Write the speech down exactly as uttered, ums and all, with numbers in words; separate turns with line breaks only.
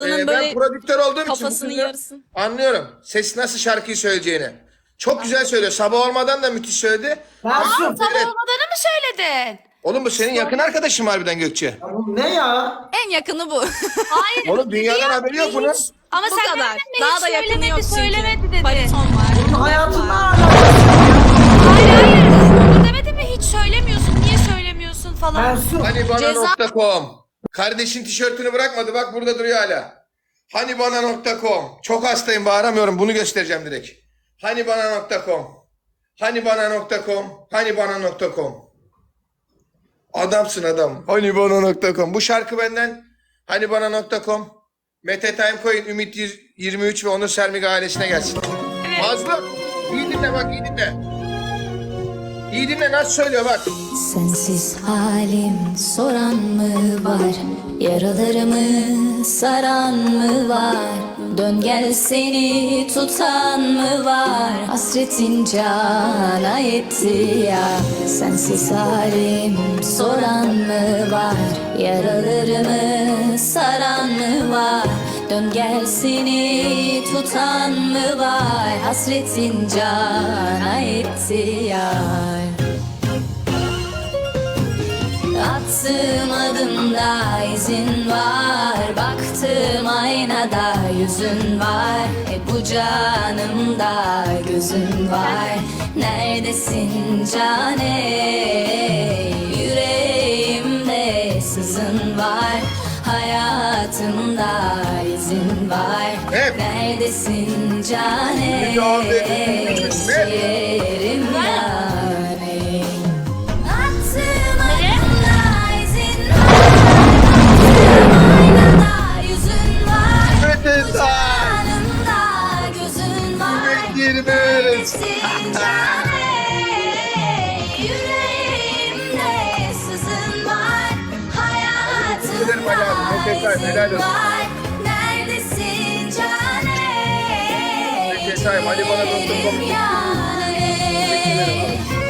Bunun
ben
böyle
prodüktör olduğum için bu
kafasının
kızı
yarısı.
anlıyorum. Ses nasıl şarkıyı söyleyeceğini. Çok güzel söylüyor. Sabah olmadan da müthiş söyledi.
Tansu.
Tam
Evet.
olmadığını mı söyledin?
Oğlum bu senin yakın arkadaşın harbiden Gökçe.
Ya bu ne ya?
En yakını bu.
Hayır.
Oğlum dünyadan haberi yok bunun.
Ama
Bu
sen
kadar.
demedin mi?
Daha
Hiç
da yakını
söylemedi,
yok çünkü.
söylemedi dedi.
Bariton var.
Bunun hayatında alakası.
Hayır hayır. Onu demedin mi? Hiç söylemiyorsun. Niye söylemiyorsun falan.
Tansu.
Hanibana
Ceza-
nokta com. Kardeşin tişörtünü bırakmadı. Bak burada duruyor hala. Hanibana nokta com. Çok hastayım, bağıramıyorum. Bunu göstereceğim direkt. Hanibana nokta com. Hanibana nokta com. Hanibana nokta com. Adamsın adam. Hanibana nokta com. Bu şarkı benden. Hanibana nokta com. Mete Timecoin, Ümit yirmi üç ve Onur Sermik ailesine gelsin. Mazlum. İyi dinle bak, iyi dinle. İyi dinle nasıl söylüyor bak.
Sensiz halim soran mı var? Yaralarımı saran mı var? Dön gel seni tutan mı var? Hasretin cana etti ya. Sensiz halim soran mı var? Yaralarımı saran mı var? Dön gel seni tutan mı var? Hasretin cana etti ya. Attığım adımda izin var. Baktığım aynada yüzün var. E bu canımda gözün var. Neredesin cane? Yüreğimde sızın var. Hayatımda izin var.
Hep.
Neredesin cane?
Bir daha dedim.
Ciğerim
Hep.
yani. Attığım adımda izin var. Aynada yüzün var.
Mete Time.
Canımda gözün var.
yirmi üç.
Neredesin cane? Yüreğimde sızın var.
Ederim Ali abi, Mete Time,
Hayatımda
helal
izin
olsun.
var. Neredesin cane?
Mete Time, Hanibana nokta com.
Yüreğim yani.